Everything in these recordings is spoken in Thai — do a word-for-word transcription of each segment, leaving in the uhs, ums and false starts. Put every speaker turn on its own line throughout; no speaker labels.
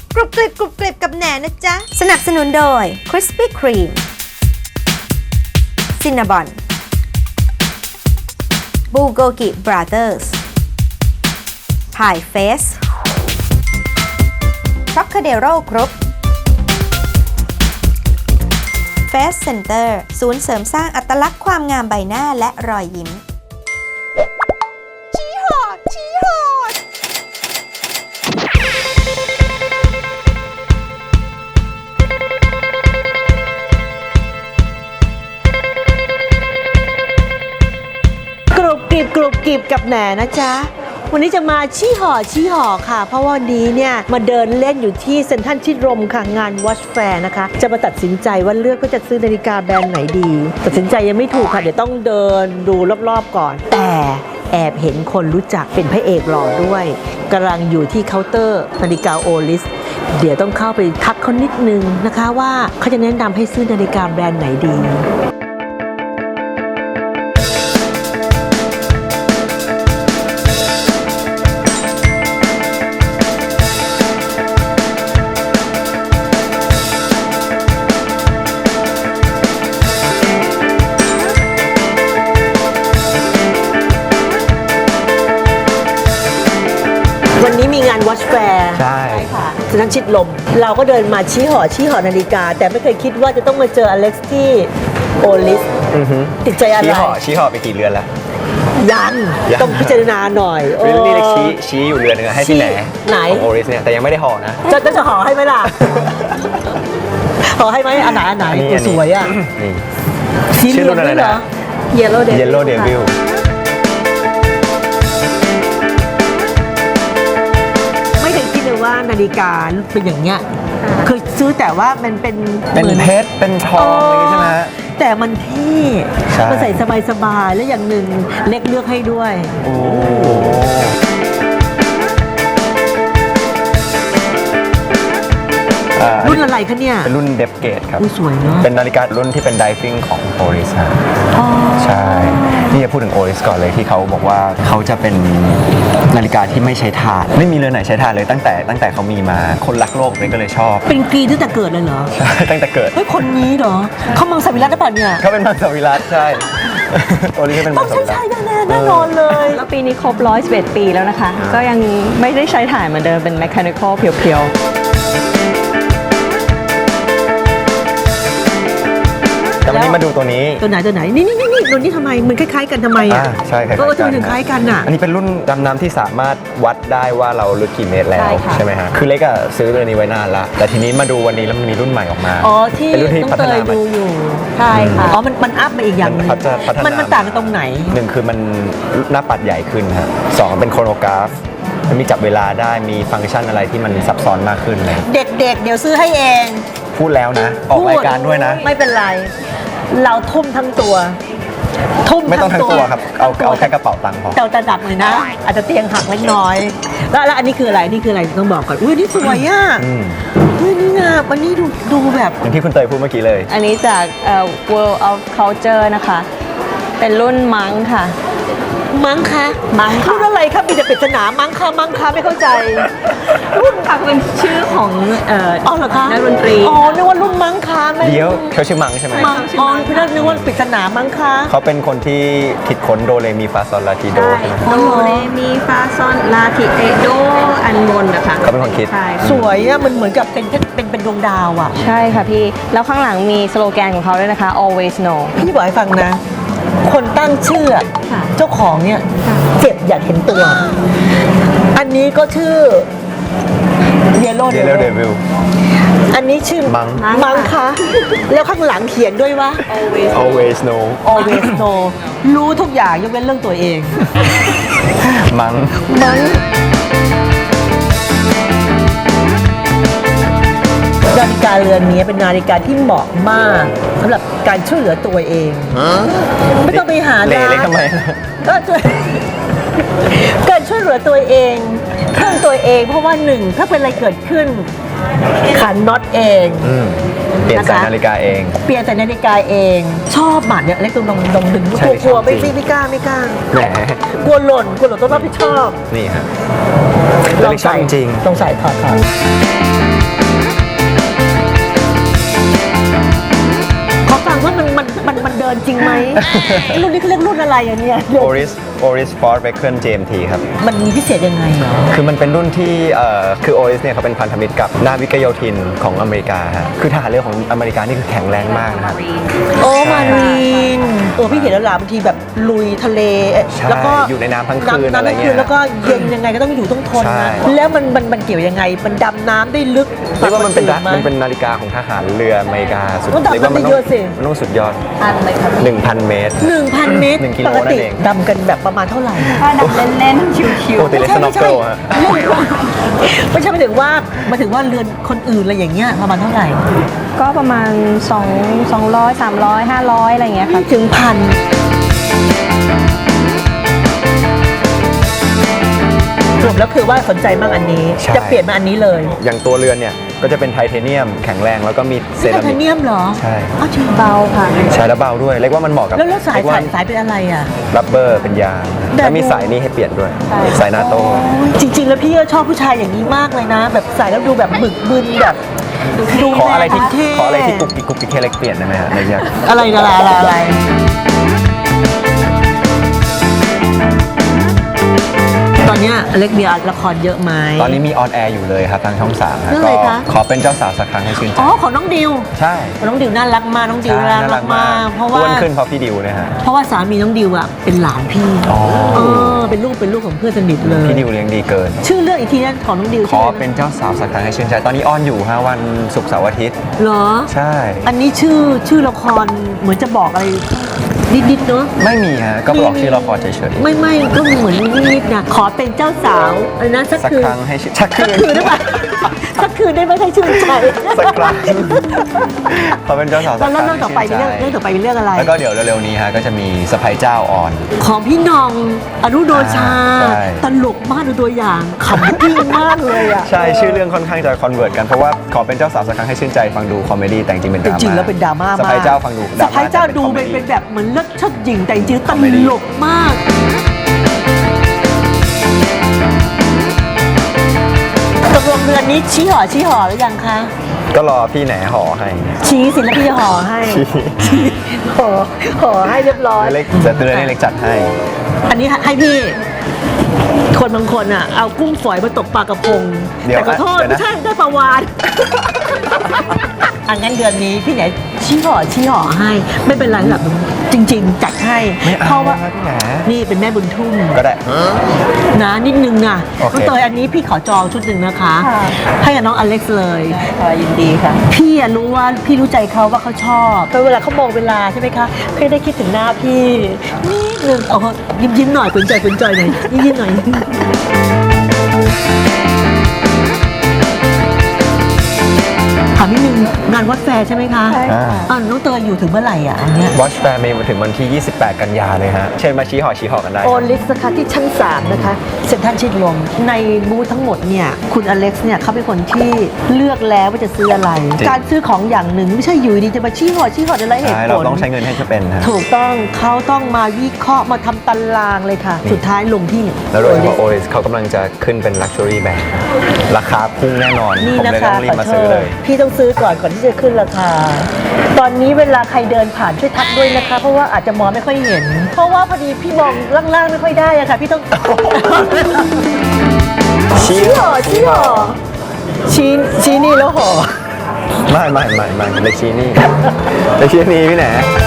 กรุบกริบกรุบกริบกับแหนนะจ๊ะสนับสนุนโดย Krispy Kreme Cinnabon Bulgogi Brothers Pie Face Trocadero Group Face Center ศูนย์เสริมสร้างอัตลักษณ์ความงามใบหน้าและรอยยิ้มชี้หอดชี้หอด
กรุบกริบกรุบกริบกับแหนนะจ๊ะวันนี้จะมาชี้หอชี้หอค่ะเพราะว่าวันนี้เนี่ยมาเดินเล่นอยู่ที่เซ็นทรัลชิดลมค่ะงาน Watch Fair นะคะจะมาตัดสินใจว่าเลือกว่าจะซื้อนาฬิกาแบรนด์ไหนดีตัดสินใจยังไม่ถูกค่ะเดี๋ยวต้องเดินดูรอบๆก่อนแต่แอบเห็นคนรู้จักเป็นพระเอกหล่อด้วยกำลังอยู่ที่เคาน์เตอร์นาฬิกาโอลิสเดี๋ยวต้องเข้าไปทักเขานิดนึงนะคะว่าเขาจะแนะนำให้ซื้อนาฬิกาแบรนด์ไหนดีวันนี้มีงาน Watch Fair
ใช่
ค่ะฉะนั้นชิดลมเราก็เดินมาชี้หอชี้หอนาฬิกาแต่ไม่เคยคิดว่าจะต้องมาเจออเล็กซ์ที่โอลิสติดใจอะไร
ชี้ห่อชี้ห่อไปกี่เรือนแล้ว
ยัง
ยัง
ต้องพิจารณาหน่อยโอ้
นี่เล็กชี้ชี้อยู่เรือนหนึงอะให้พี่แหน
ไหน
ของโอริสเนี่ยแต่ยังไม่ได้ห่อนะ
จะจะจะหอให้ไหมล่ะ หอให้ไหมอันไหนอันไหน
อันนี้
โอ้สวยอ่ะ
นี่
สีเห
ชื่อ
ลื
รุ่
อง
นอะไร
ด้วยเหรอ
นะ
Yellow Devil
Yellow Devil
ไม่เคยคิดเลยว่านาฬิกาเป็นอย่างเงี้ยเคยซื้อแต่ว่ามันเป็น
เป็น
หมือ
เพชรเป็นทองอะไรอย่างงี้ใช่ไหมฮะ
แต่มันเท่
ใช่
มันใส่สบายๆแล้วอย่างหนึ่งเล็กเลือกให้ด้วย
โอ้อ่า
รุ่นอะไรคะเนี่ย
เป็นรุ่นเดฟเกตครับ
อุ้ยสวยเนาะ
เป็นนาฬิการุ่นที่เป็นไดฟิ่งของโอริสครับใช่ นี่จะพูดถึงโอริสก่อนเลยที่เขาบอกว่าเขาจะเป็นนาฬิกาที่ไม่ใช้ถ่าน ไม่มีเรือนไหนใช้ถ่านเลยตั้งแต่ตั้งแต่เขามีมา คนรักโลกเลยก็เลยชอบ
เป็นกรีนตั้งแต่เกิดเลยเหรอ
ใช่ ตั้งแต่เกิด
เฮ้ยคนนี้เหรอเขามังสวิรัตได้ป่ะเนี่ย
เขาเป็นมังสวิรัตใช่ โอริสเป็น
ต้
มั
อง
งส
ใช่
วิรัต
ใช่แน่ๆแน่นอนเลย
แล้วปีนี้ครบหนึ่งร้อยสิบเอ็ดปีแล้วนะคะ ก็ยังไม่ได้ใช้ถ่านเหมือนเดิมเป็น mechanical เพียวๆ
แต่วันนี้มาดูตัวนี้
ตัวไหนตัวไหนนี่นี่นี่นี่ตัวนี้ทำไมมันคล้ายๆกันทำไมอ่ะ
อ่าใช่คล้ายๆ
เออ
กั
ทำไมถึงคล้ายกันอ่ะ
อันนี้เป็นรุ่นดำน้ำที่สามารถวัดได้ว่าเราลึกกี่เมตรแล้ว
ใช่ค่ะ
ใช่ไหมฮะคือเล็กอะซื้อตัวนี้ไว้นานละแต่ทีนี้มาดูวันนี้แล้วมันมีรุ่นใหม่ออกมา
อ๋อที่
เป็นรุ่นที่
ต้อง
พัฒ
เต
นาย มา
ดูอยู่
ใช่ค่ะ
อ๋อมันมันอัพมาอีกอย่างหนึง
มันพัฒนาพัฒนามั
นมันต่างกันตรงไหน
หนึ่งคือมันหน้าปัดใหญ่ขึ้นฮะสองเป็นโครโนกราฟมันมีจับเวลาได้มีฟังก์ชันอะไรที่มันซับซ้อนมากขึ้นเลย
เด็กๆ เดี๋ยวซื้อให้เอง
พูดแล้วนะ ออกรายการด้วยนะ
ไม่เป็นไร เราทุ่มทั้งตัว ทุ่ม
ไม่ต้องทั้งตัวครับ เอาเอาแค่กระเป๋าตังค์พอ
เจ้าจะดับเลยนะ อาจจะเตียงหักเล็กน้อย แล้วแล้วอันนี้คืออะไรนี่คืออะไรต้องบอกก่อนอุ้ยนี่สวยอ่ะ
อืม
อุ้ยนี่งามอันนี้ดูดูแบบ
อย่างที่คุณเตยพูดเมื่อกี้เลย
อันนี้จากเอ่อ World of Culture นะคะ เป็นรุ่นมังค่ะ
มั้งคะ
มั้งค่ะ
รุ่นอะไรครับมีแต่ปริศนามั้งคะมั้งคะไม่เข้าใจ
รุ่นค่ะเป็นชื่อของเอ่อ
อ๋อเหรอคะ
นักดนตรี
อ๋อนึกว่ารุ่นมั้งคะไม่
เดี๋ยวเขาชื่อมังใช่ไหม
มังอ๋อพี่นัทนึกว่าปริศนามั้งคะ
เขาเป็นคนที่คิดค้นโดเรมีฟาซอลลาทีโดใช่ไหม
โดเรมีฟาซอนลาทิเอโดอันบนนะคะ
เขาเป็นคนคิด
ใช่
สวยอะมันเหมือนกับเป็นเป็นเป็นดวงดาวอะ
ใช่ค่ะพี่ แล้วข้างหลังมีสโลแกนของเขาด้วยนะคะ always know
พี่บอกให้ฟังนะ คนตั้งชื่ออะ
ค่ะ
เจ้าของเนี่ยเจ็บอยากเห็นตัว อันนี้ก็ชื่อเยลโล่
เด
เด
ลเด
วิ
วิ
ล
ล
อันนี้ชื่อ
มัง
มังคะแล้วข้างหลังเขียนด้วยว่า
always
always know
always know รู้ทุกอย่างยกเว้นเรื่องตัวเอง
มัง
มังนาฬิกาเรือนนี้เป็นนาฬิกาที่เหมาะมากสำหรับการช่วยเหลือตัวเอง ไม่ต้องไปหา
เละ
ร้าน
เล็กทำไม
ก็ช่วย การช่วยเหลือตัวเองเพื่อนตัวเอง เพราะว่าหนึ่งถ้าเป็นอะไรเกิดขึ้นขันน็อตเอง
อืมเปลี่ยนสาย
นะคะ
นาฬิกาเอง
เปลี่ยนแต่นาฬิกาเอง ชอบหมัดเนี่ยเล็กตรงลองลองดึง
ใช่
กลัวกลัว
ชอบ
ไม่
จริง
ไม่กล้าไม่กล้า
แหม
กลัวหล่นกลัวหล่นต้องรับผิดชอบ
นี่ฮะแล้วนี่ชอบจริง
ลองใส่ถอดถอดขอฟังว่ามันมันมันมันเดินจริงไหม รุ่นนี้เขาเรียกรุ่นอะไรอ่ะเนี่ย
โอริสโอริสฟอร์ดเบเคิลเจมทีครับ
มันมีพิเศษยังไงเหรอ
คือมันเป็นรุ่นที่เอ่อคือโอริสเนี่ยเขาเป็นพันธมิตรกับนาวิกโยธินของอเมริกาฮะคือทหารเรือของอเมริกานี่คือแข็งแรงมากนะครับ
โอ้มารีนเออพี่เห็นแล้วล่ะบางทีแบบลุยทะเล
ใช่
แล้วก็
อยู่ในน้ำทั้งคืน
ำ
อะไรเงี้ย
น้ำทั้งคืนแล้วก็เย็นยังไงก็ต้องอยู่ต้องทน
ใช่
นะแล้วมันมันมันเกี่ยวยังไง มันดำน้ำได้ลึก
เรียกว่ามันเป็น
กว่าค
มันเป็น
ไห
นาฬิกาของทหารเรืออเมริกาสุด
มันดำ
เรียกว่ามัน
น้ำได้เยอะสิ
มันต้องสุดยอด
อันเลยค่ะ
หนึ่งพัน เมตร
หนึ่งพันเมตร
หนึ่งกิโล
ปกติ
นั่นเอง
ดำกันแบบประมาณเท่าไหร่
ถ้าดำเล่นๆ ชิว
ปกติเลสโนว์เกิลฮะ
ไม่ใช่หมายถึงว่าหมายถึงว่าเรือนคนอื่นอะไรอย่างเงี้ยประมาณเท่าไหร่
ๆ ก็ประมาณ2 200 300 500 อะไรอย่างเงี้ยค่ะ
ถึงพันสรุปแล้วคือว่าสนใจมากอันนี้
ใช่
จะเปลี่ยนมาอันนี้เลย
อย่างตัวเรือนเนี่ยก็จะเป็นไทเทเนียมแข็งแรงแล้วก็มีเซ
นี่ไท
รา
เท
มิก
เนียมเหรอ
ใช่
อ้าวจริง
เบาค่ะ
ใช้แล้วเบาด้วยเรียกว่ามันเหมาะกับ
แล้วแล้วสาย
เรีกว่
สายสายเป็นอะไรอ่ะ
รับเบอร์เป็นยาง
แบบ
แล้วมีสายนี้ให้เปลี่ยนด้วย
ใช่
สายนาโต้
จริง ๆ แล้วพี่ก็ชอบผู้ชายอย่างนี้มากเลยนะ แบบใส่แล้วดูแบบบึกบึนแบบดู
ขออะไรที่
เท่
ขออะไรที่กุ๊กกิ๊กกุ๊กกิ๊กให้เล็กเปลี่ยนได้ไหมฮะเล็กอยาก
อะไรอะไรอะไรอะไรตอนเนี้ยอเล็กมีละครเยอะไหม
ตอนนี้มีออนแอร์อยู่เลยครับทางช่องสามฮะ
เรื่อง
ก็
อะไรคะ
ขอเป็นเจ้าสาวสักครั้งให้ชื่นใจ
อ๋อของน้องดิว
ใช่
น้องดิวน่ารักมากน้องดิว
ใช่
น่ารักมากเพราะว่า
อ้วนขึ้นเพราะพี่ดิวเนี่ยฮะ
เพราะว่าสามีน้องดิวอ่ะเป็นหลานพี่
อ๋อ
เออเป็นลูกเป็นลูกของเพื่อนสนิทเลย
พี่ดิวเลี้ยงดีเกิน
ชื่อเรื่องอีกทีนั้นของน้องดิว
ข
ชื่
อ
ออะไรนะ
เป็นเจ้าสาวสักครั้งให้ชื่นใจ ตอนนี้ออนอยู่ฮะวันศุกร์เสาร์อาทิตย์
เหรอ
ใช่
อันนี้ชื่อชื่อละครเหมือนจะบอกอะไรนิดๆเนาะ
ไม่มีฮะก็บอกชื่อละครเฉย
ไม่ไม่ก็เหมือนนิดๆนะขอเป็นเจ้าสาวอะไรนะสัก
ๆสัก
คืน
ครั้งให้ชื่นสักคื
สัก
น
คืนได้ปะสักคืนได้ไหมให้ชื่นใจ
สักครั้งขอเป็นเจ้าสาวสัก
แล้ว
ครั้ง
เรื่องต่อไป
ให้
เป็น
ชื่
เรื่อง
นใจ
เรื่องต่อไปเป็นเรื่องอะไร
แล้วก็เดี๋ยวเร็วๆนี้ฮะก็จะมีสไปเจ้าออน
ของพี่น้องอนุโดชา
อ่าใช่
ตลกมากดูตัวอย่างขำกิ้งมากเลยอ่ะ
ใช่ชื่อเรื่องค่อนข้างจะคอนเวิร์ตกันเพราะว่าขอเป็นเจ้าสาวสักครั้งให้ชื่นใจฟังดูคอมเมดี้แต่จริงๆเป็นด
แต่
ราม่า
จริงๆแล้วเป็นดราม่า
ส
มาก
ไปเจ้าฟังดู
สะพ้ายเจ้าดู
คอม
เป็น
ดี้
เป็นแบบเหมือนเลิศเชิดหญิงแต่จริงๆต
คอมเมดี้
ลกมากตกลงเดือนนี้ชี้หอชี้หอหรือยังคะ
ก็รอพี่แหนห่อให้
ชี้สิแล้วพี่จะห่อให้
ชี้
ชี้ห่อห่อให้เรียบร้อย
เล็กจะเตือนให้เล็กจัดให้
อันนี้ให้พี่ คนบางคนอ่ะ เอากุ้งฝอยมาตกปลากระพง
เดี๋ยว
แต่ขอโทษ
เดี๋ยวนะ
ไม่ใช่ได้ปลาวาน อันงั้นเดือนนี้พี่ไหนชี้ห่อชี้ห่อให้ ไม่เป็นไรแบบจริง ๆ จัดให้
ไม่เอา
เพราะว่า
ครับพี่แหน
นี่เป็นแม่บุญทุ่ม
ก็ได้
นะนิดนึงนะ
โอเค
น้องเตยอันนี้พี่ขอจองชุดหนึ่งนะคะ
ค่ะ
ให้กับน้องอเล็กซ์เลย
ค่ะยินดีค่ะ
พี่อะรู้ว่าพี่รู้ใจเขาว่าเขาชอบแต่เวลาเขามองเวลาใช่ไหมคะพี่ได้คิดถึงหน้าพี่นิดนึงเอาเขายิ้มยิ้มๆหน่อยกุนใจกุนใจหน่อยยิ้มยิ้มๆหน่อยถามนิดนึงงานวัดแฟร์ใช่ไหมคะ
ใช่ค่ะ
อ่าน้องเตยอยู่ถึงเมื่อไหร่อ่ะอันเนี้ย
Watch Fair มีถึงวันที่ ยี่สิบแปด กันยาเลยฮะ เชิญมาชี้หอชี้หอกันได้
โอลิสนะคะที่ชั้นสามนะคะเซ็นทรัลชิดลมในบูธทั้งหมดเนี่ยคุณอเล็กซ์เนี่ยเขาเป็นคนที่เลือกแล้วว่าจะซื้ออะไร
จริง
การซื้อของอย่างหนึ่งไม่ใช่อยู่ดีจะมาชี้หอชี้หออะไรเหตุ
ใช่
ผ
เรา
ล
ต้องใช้เงินให้จะเป็นฮะ
ถูกต้องเขาต้องมาวิเคราะห์มาทำตารางเลยค่ะ สุดท้ายลงที่
แล้วโดยเฉพาะ Oris เขากำลังจะขึ้นเป็น Luxury Band ราคาพุ่งแน่นอน
นี่
ผม
นะ
เลยต้
คะ
องรี
ข
บ
อ
มา
โท
ซื้อ
ษ
เลย
พี่ต้องซื้อก่อนก่อนที่จะขึ้นราคา ตอนนี้เวลาใครเดินผ่านช่วยทักด้วยนะคะ เพราะว่าอาจจะมองไม่ค่อยเห็น เพราะว่าพอดีพี่มองล่างๆไม่ค่อยได้อะค่ะ พี่ต้อง
ชี้
ห่อชี้ห่อชี้ชี้นี่แล้วห่อ
ไม่ไม่ไม่ไม่เล็กชี้นี่เล็กชี้นี่พี่แหน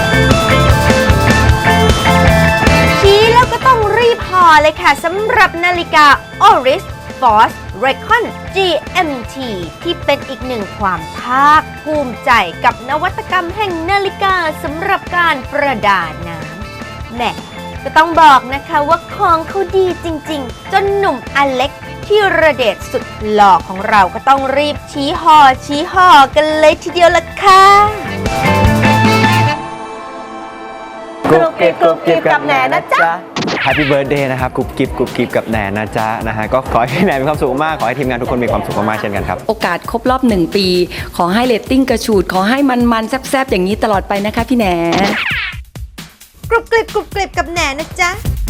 ชี้แล้วก็ต้องรีบห่อเลยค่ะสำหรับนาฬิกา Oris Force Recon จี เอ็ม ที ที่เป็นอีกหนึ่งความภาคภูมิใจกับนวัตกรรมแห่งนาฬิกาสำหรับการประดาน้ำแหม่ก็ต้องบอกนะคะว่าของเขาดีจริงๆ จนหนุ่มอเล็กที่ระเดชสุดหล่อของเราก็ต้องรีบชี้ห่อชี้ห่อกันเลยทีเดียวละค่ะ
กรุบกริบกรุบกริบกับแหนนะจ๊ะ
Happy Birthday นะครับกรุบกริบกรุบกริบกับแหนนะจ๊ะนะฮะก็ขอให้พี่แหนมีความสุขมากขอให้ทีมงานทุกคนมีความสุขมากๆเช่นกันครับ
โอกาสครบรอบหนึ่งปี ขอให้เรตติ้งกระฉูด ขอให้มันๆแซ่บๆ อย่างนี้ตลอดไปนะคะพี่แหน
กรุบกริบกรุบกริบกับแหนนะจ๊ะ